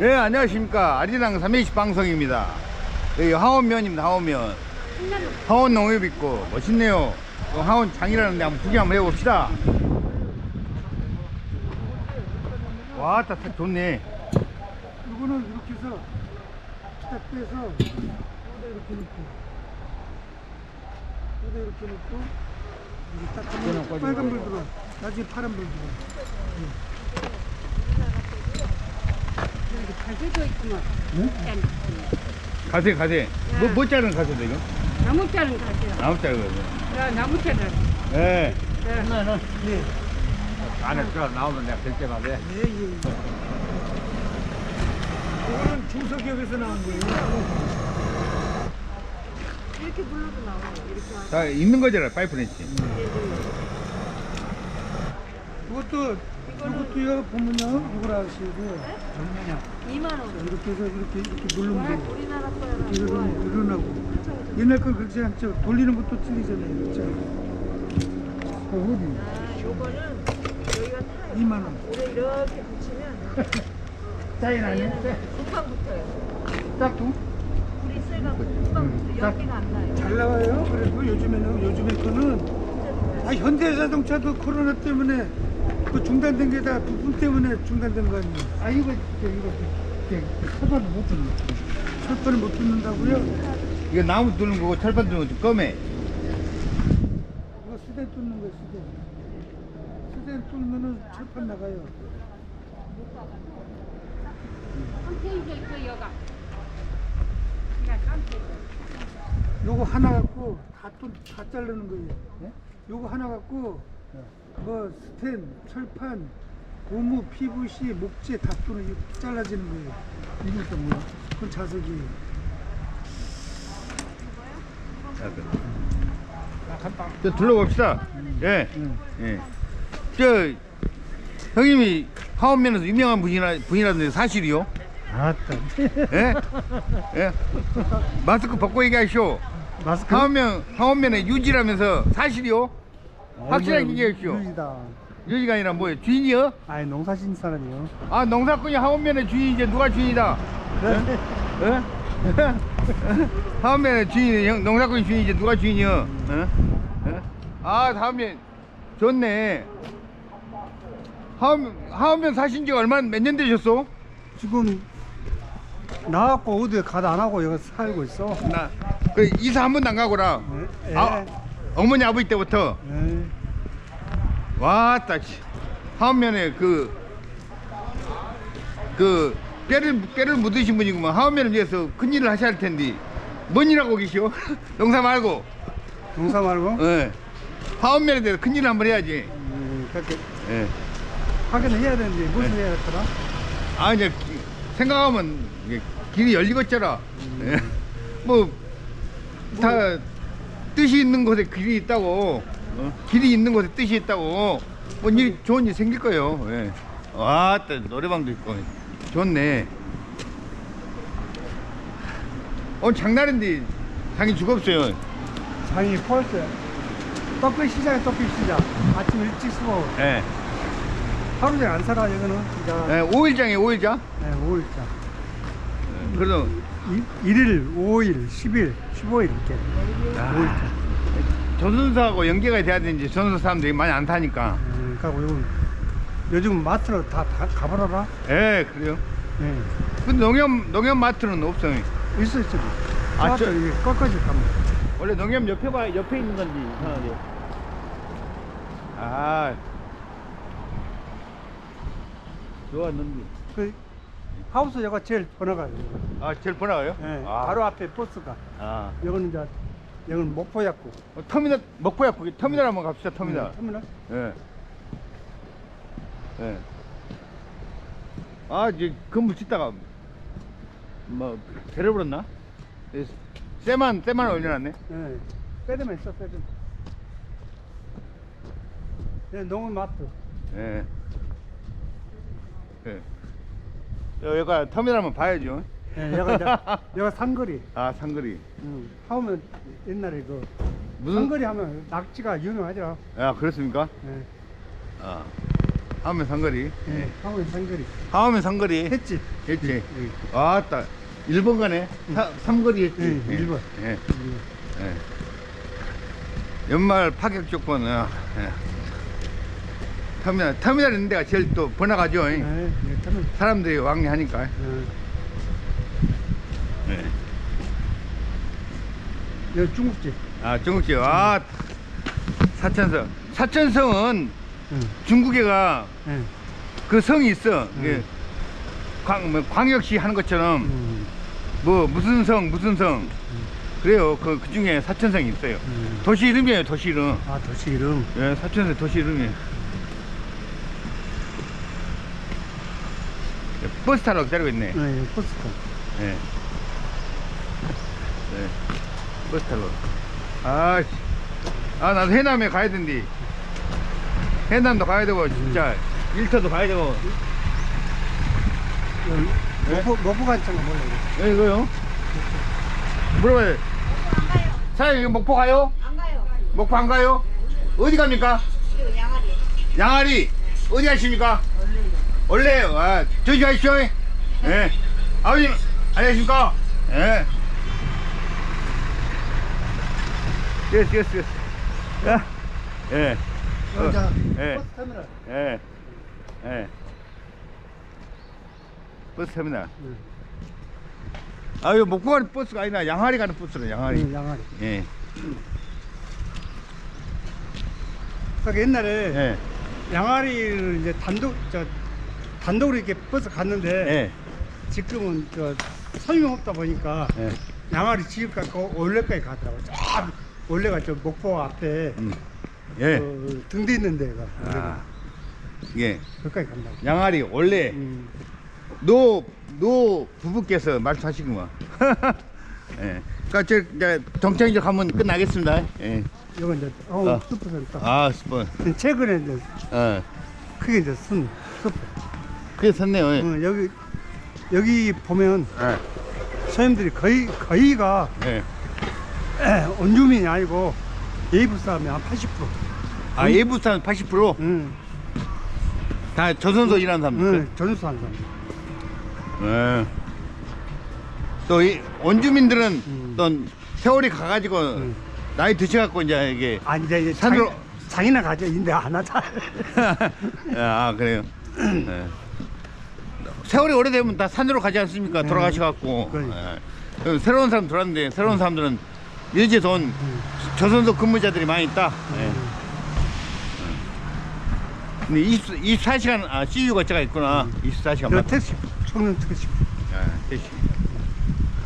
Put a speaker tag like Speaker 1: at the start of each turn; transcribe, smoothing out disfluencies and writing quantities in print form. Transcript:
Speaker 1: 네, 안녕하십니까. 아리랑 320 방송입니다. 여기 하원면입니다. 하원면. 하원 농협 있고 멋있네요. 하원 장이라는데 한번 구경 한번 해봅시다. 와, 딱 좋네.
Speaker 2: 이거는 이렇게 해서 딱 빼서 여기다 이렇게 놓고 여기다 이렇게 놓고 여기 딱 하면 빨간 불 들어. 나중에 파란 불 들어.
Speaker 3: 가세도 있구만.
Speaker 1: 가세. 뭐 자른 가세도 이거?
Speaker 3: 나무 자른 가세요.
Speaker 1: 나무 자른 거죠.
Speaker 3: 야, 나무 자른.
Speaker 1: 네.
Speaker 3: 네.
Speaker 2: 예.
Speaker 1: 안에 들어 나오면 내가 될 때마다.
Speaker 2: 예. 이거는 중소기업에서 나온 거예요.
Speaker 3: 이렇게 불러도 나와요. 이렇게 하고.
Speaker 1: 다 있는 거잖아, 파이프넷이.
Speaker 2: 이것도요 보면요 이걸 아시고 얼마냐
Speaker 3: 2만 원.
Speaker 2: 이렇게 해서 이렇게 누르면 돼요.
Speaker 3: 우리나라 거야.
Speaker 2: 일어나고 옛날 거 그렇지 않죠. 돌리는 것도 틀리잖아요. 그렇죠? 어디?
Speaker 3: 요거는 여기가 타요.
Speaker 2: 2만 원.
Speaker 3: 오래 이렇게 붙이면
Speaker 2: 짜인 아니야?
Speaker 3: 금방 붙어요.
Speaker 2: 짝퉁?
Speaker 3: 불이 세가 금방 붙어요. 여기가 안 나요.
Speaker 2: 잘 나와요. 그래도 요즘에 거는 현대자동차도 코로나 때문에 그 중단된 게 다 부품 때문에 중단된 거 아니에요? 이거 철판을 못 붙는. 철판을 못 붙는다고요?
Speaker 1: 이거 나무 뚫는 거고 철판 뚫는 거 검해.
Speaker 2: 이거 수대 뚫는 거예요, 수대 뚫으면은 철판 나가요.
Speaker 3: 깜짝이야, 있어, 여가.
Speaker 2: 요거 하나 갖고 다 자르는 거예요. 네? 요거 하나 갖고 뭐 스텐, 철판, 고무, PVC, 목재 다 뚫는 이거 잘라지는 거예요. 이게 또 뭐야? 그건 자석이에요.
Speaker 1: 저 둘러봅시다. 예. 예. 저 형님이 하원면에서 유명한 분이라는데 사실이요?
Speaker 2: 아따.
Speaker 1: 예? 예? 마스크 벗고 얘기하시오.
Speaker 2: 마스크?
Speaker 1: 하원면에 유지라면서 사실이요? 확실하게 얘기하시오.
Speaker 2: 유지다.
Speaker 1: 유지가 아니라 뭐예요? 주인이요?
Speaker 2: 아니 농사 짓는 사람이요.
Speaker 1: 아, 농사꾼이 하원면의 주인이지 누가 주인이다?
Speaker 2: 그래?
Speaker 1: 예? 하원면의 주인이 농사꾼이 주인이지 누가 주인이요? 예? 아, 하원면 좋네. 하원면 사신 지가 몇 년 되셨어?
Speaker 2: 지금 나왔고 어디 가다 안 하고 여기 살고 있어.
Speaker 1: 그 이사 한 번도 안 가고라.
Speaker 2: 예.
Speaker 1: 아, 어머니 아버지 때부터.
Speaker 2: 예.
Speaker 1: 와따 하원면에 뼈를 묻으신 분이구만. 하원면을 위해서 큰일을 하셔야 할 텐데 뭔 일 하고 계시오? 농사 말고.
Speaker 2: 농사 말고?
Speaker 1: 예. 하원면에 대해서 큰일을 한번 해야지.
Speaker 2: 그렇게
Speaker 1: 예.
Speaker 2: 하긴 해야 되는데 무슨 해야 할까나?
Speaker 1: 아, 이제 생각하면 이게 길이 열리겠잖아. 예. 다 뜻이 있는 곳에 길이 있다고. 길이 있는 곳에 뜻이 있다고. 좋은 일 생길 거예요. 예. 와, 또 노래방도 있고 좋네. 오늘 장날인데 장이 죽었어요.
Speaker 2: 장이 펄스요. 떡볶이 시장에 떡볶이 시장. 아침 일찍 수고.
Speaker 1: 예.
Speaker 2: 하루 종일 안 살아 여기는 진짜.
Speaker 1: 예, 5일장이에요, 5일장.
Speaker 2: 네, 5일장.
Speaker 1: 그래도
Speaker 2: 1일, 5일, 10일, 15일 이렇게. 5일장.
Speaker 1: 조선사하고 연계가 돼야 되는지 조선사 사람들이 많이 안 타니까.
Speaker 2: 그러니까 요즘 마트로 다 가버려라.
Speaker 1: 예, 그래요.
Speaker 2: 네.
Speaker 1: 근데 농협 마트는 없어요.
Speaker 2: 있어.
Speaker 1: 아, 저-
Speaker 2: 이게 꺾어지 가면.
Speaker 1: 원래 농협 옆에 있는 건지 이상하게. 아, 좋았는데.
Speaker 2: 그 하우스 여가 제일 번화가요.
Speaker 1: 아, 제일 번화가요?
Speaker 2: 네.
Speaker 1: 아,
Speaker 2: 바로 앞에 버스가.
Speaker 1: 아,
Speaker 2: 여기는 이제 여기는 목포약국.
Speaker 1: 터미널 먹고야 거기 터미널 한번 갑시다. 터미널.
Speaker 2: 터미널.
Speaker 1: 예. 예. 아, 이제 건물 짓다가 뭐 데려버렸나? 쇠만 올려놨네.
Speaker 2: 네. 빼드만 있어, 빼드만. 네, 농은 마트.
Speaker 1: 예. 예. 여기가 터미널 한번 봐야죠.
Speaker 2: 네, 여가 상거리.
Speaker 1: 아, 상거리.
Speaker 2: 하면 옛날에 그
Speaker 1: 무슨?
Speaker 2: 상거리 하면 낙지가 유명하죠.
Speaker 1: 아, 그렇습니까?
Speaker 2: 네.
Speaker 1: 아. 하면 상거리.
Speaker 2: 예, 하면 상거리.
Speaker 1: 하면 상거리.
Speaker 2: 했지?
Speaker 1: 했지. 아따. 1번 가네. 삼거리 했지.
Speaker 2: 예, 1번.
Speaker 1: 예. 예. 연말 파격 조건. 예. 터미널 있는 데가 제일 또 번화가죠.
Speaker 2: 예, 예, 타면.
Speaker 1: 사람들이 왕래하니까.
Speaker 2: 예.
Speaker 1: 예.
Speaker 2: 여기 중국집.
Speaker 1: 아, 중국집. 아, 사천성. 사천성은 중국에가
Speaker 2: 예.
Speaker 1: 그 성이 있어. 이게 광역시 하는 것처럼 뭐 무슨 성 그래요. 그 중에 사천성이 있어요. 도시 이름이에요. 도시 이름.
Speaker 2: 아, 도시 이름.
Speaker 1: 예, 사천성 도시 이름이에요. 버스 타러 기다리고 있네.
Speaker 2: 예, 포스터.
Speaker 1: 예. 네. 버스 타러. 아, 나도 해남에 가야 된디. 해남도 가야 되고, 진짜. 일터도 가야 되고.
Speaker 2: 먹고 간장가 몰라.
Speaker 1: 예, 이거요? 물어봐요. 사장님, 이거 목포 가요?
Speaker 3: 안 가요.
Speaker 1: 목포 안 가요? 어디 갑니까?
Speaker 3: 이거 양아리.
Speaker 1: 양아리. 어디 가십니까? 원래요. 아, 저기 가십시오. 예. 아버님, 안녕하십니까? 예. 됐어. 야. 예.
Speaker 2: 여자
Speaker 1: 예.
Speaker 2: 버스 터미널.
Speaker 1: 예. 버스 터미널. 아, 이거 목포 가는 버스가 아니라 양아리 가는 버스로 양아리.
Speaker 2: 응, 양아리.
Speaker 1: 예.
Speaker 2: 그러니까 옛날에
Speaker 1: 예.
Speaker 2: 양아리를 이제 단독으로 이렇게 버스 갔는데
Speaker 1: 예.
Speaker 2: 지금은 설명 없다 보니까
Speaker 1: 예.
Speaker 2: 양아리 지역까지 올레까지 가더라고요. 저 올레가 저 목포 앞에
Speaker 1: 예.
Speaker 2: 등대 있는 데가
Speaker 1: 아. 예.
Speaker 2: 거기까지 간다고.
Speaker 1: 양아리 원래 노 부부께서 말씀하시구만. 예. 그러니까 저 이제 정창이적 하면 끝나겠습니다. 예.
Speaker 2: 이건 이제 슈퍼센터.
Speaker 1: 아, 스폰.
Speaker 2: 최근에 이제 그게 이제 슈퍼.
Speaker 1: 그게 섰네요. 예.
Speaker 2: 여기 보면 서민들이 거의가
Speaker 1: 예.
Speaker 2: 원주민이 아니고 예부 사람이 한 80%.
Speaker 1: 아, 예부 사람 80%?
Speaker 2: 응.
Speaker 1: 다 조선소 일하는 사람들.
Speaker 2: 응. 전수 하는 사람.
Speaker 1: 예. 또 이 원주민들은 또 세월이 가가지고 나이 드셔갖고 이제 이게
Speaker 2: 아니 이제
Speaker 1: 산으로-
Speaker 2: 장이나 가죠. 인데 안 하자.
Speaker 1: 아, 그래요. 예. 세월이 오래되면 다 산으로 가지 않습니까? 돌아가셔갖고.
Speaker 2: 그러니까.
Speaker 1: 예. 그럼 새로운 사람 들어왔는데 새로운 사람들은 여지에 돈 조선소 근무자들이 많이 있다. 예. 근데 24시간 CU가 제가 있구나. 24시간
Speaker 2: 저
Speaker 1: 맞.
Speaker 2: 택시, 청년 택시.
Speaker 1: 택시.